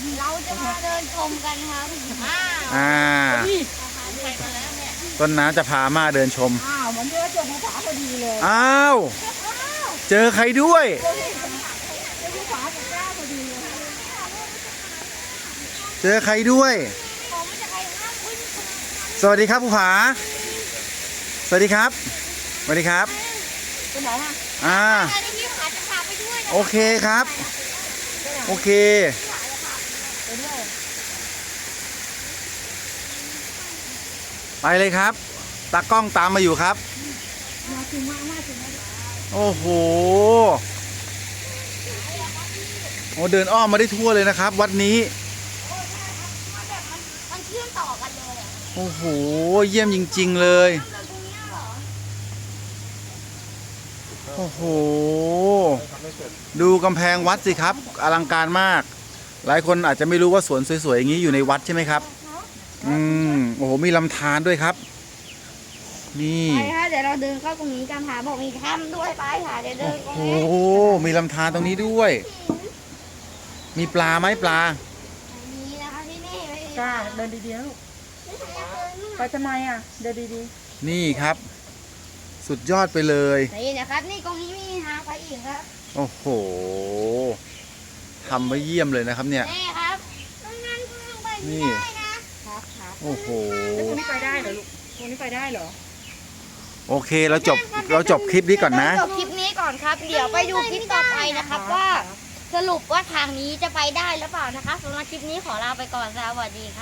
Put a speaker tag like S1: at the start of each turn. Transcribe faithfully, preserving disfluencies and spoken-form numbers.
S1: เราจะมาเดินชมกันครับ
S2: อ่าต้นน้ำจะพามาเดินชม
S3: อ้าวเหมือนเจอเจอภูผาพอดีเลย
S2: อ้าวเจอใครด้วย
S3: เจอภูผากับเจ้าพอดีเลย
S2: เจอใครด้วย สวัสดีครับผู้ผาสวัสดีครับสวัสดีครับ
S3: ไปไหนอ่ะ
S2: อ่า
S1: ที่ผาจะพาไปด้วยนะ
S2: โอเคครับโอเคไปเลยครับตากล้องตามมาอยู่ครับ
S3: มาถึงมามาถึงมา
S2: โอ้โหโอ้เดินอ้อมมาได้ทั่วเลยนะครับ วัดนี้
S1: มันแบบมันมันเชื่อมต่อกันเลยอ่ะ
S2: โอ้โหเยี่ยมจริงๆเลย
S1: เดินตรงเนี้ยเหรอ
S2: โอ้โหดูกำแพงวัดสิครับอลังการมาก หลายคนอาจจะไม่รู้ว่าสวนสวยๆอย่างนี้อยู่ในวัดใช่ไหมครับอืมโอ้โหมีลำธารด้วยครับนี่
S1: ไปค่ะเดี๋ยวเราเดินเข้าตรงนี้กันหาบอกมีถ้ำด้วยไปค่ะเดี๋ยวเดินตรง
S2: โอ้
S1: นี้
S2: โหมีลำธารตรงนี้ด้วย มีปลาไหมปลา
S1: มีนะคะที่นี่ไม่
S3: จ้าเดินดีๆนะลูกไปทำไมอ่ะเดินดี
S2: นี่ครับ สุดยอดไปเลย
S1: นี่นะครับนี่ตรงนี้มีทางไปอีกครับ
S2: โอ้โหทำไว้เยี่ยมเลยนะครับเนี่ย
S1: นี่ครับตรงนั้นทางไป
S2: นี่
S1: ไม่ได้นะ
S3: ๆครับครับ
S2: โอ้โห
S3: แล้วตรงนี้ไปได้เหรอลูกตรงนี้ไปได้เหรอ
S2: โอเคเราจบเราจบคลิปนี้ก่อนนะ
S1: จบคลิปนี้ก่อนครับ เดี๋ยวไปดูคลิปต่อไปนะครับว่าสรุปว่าทางนี้จะไปได้หรือเปล่านะคะสำหรับคลิปนี้ขอลาไปก่อนสวัสดีค่ะ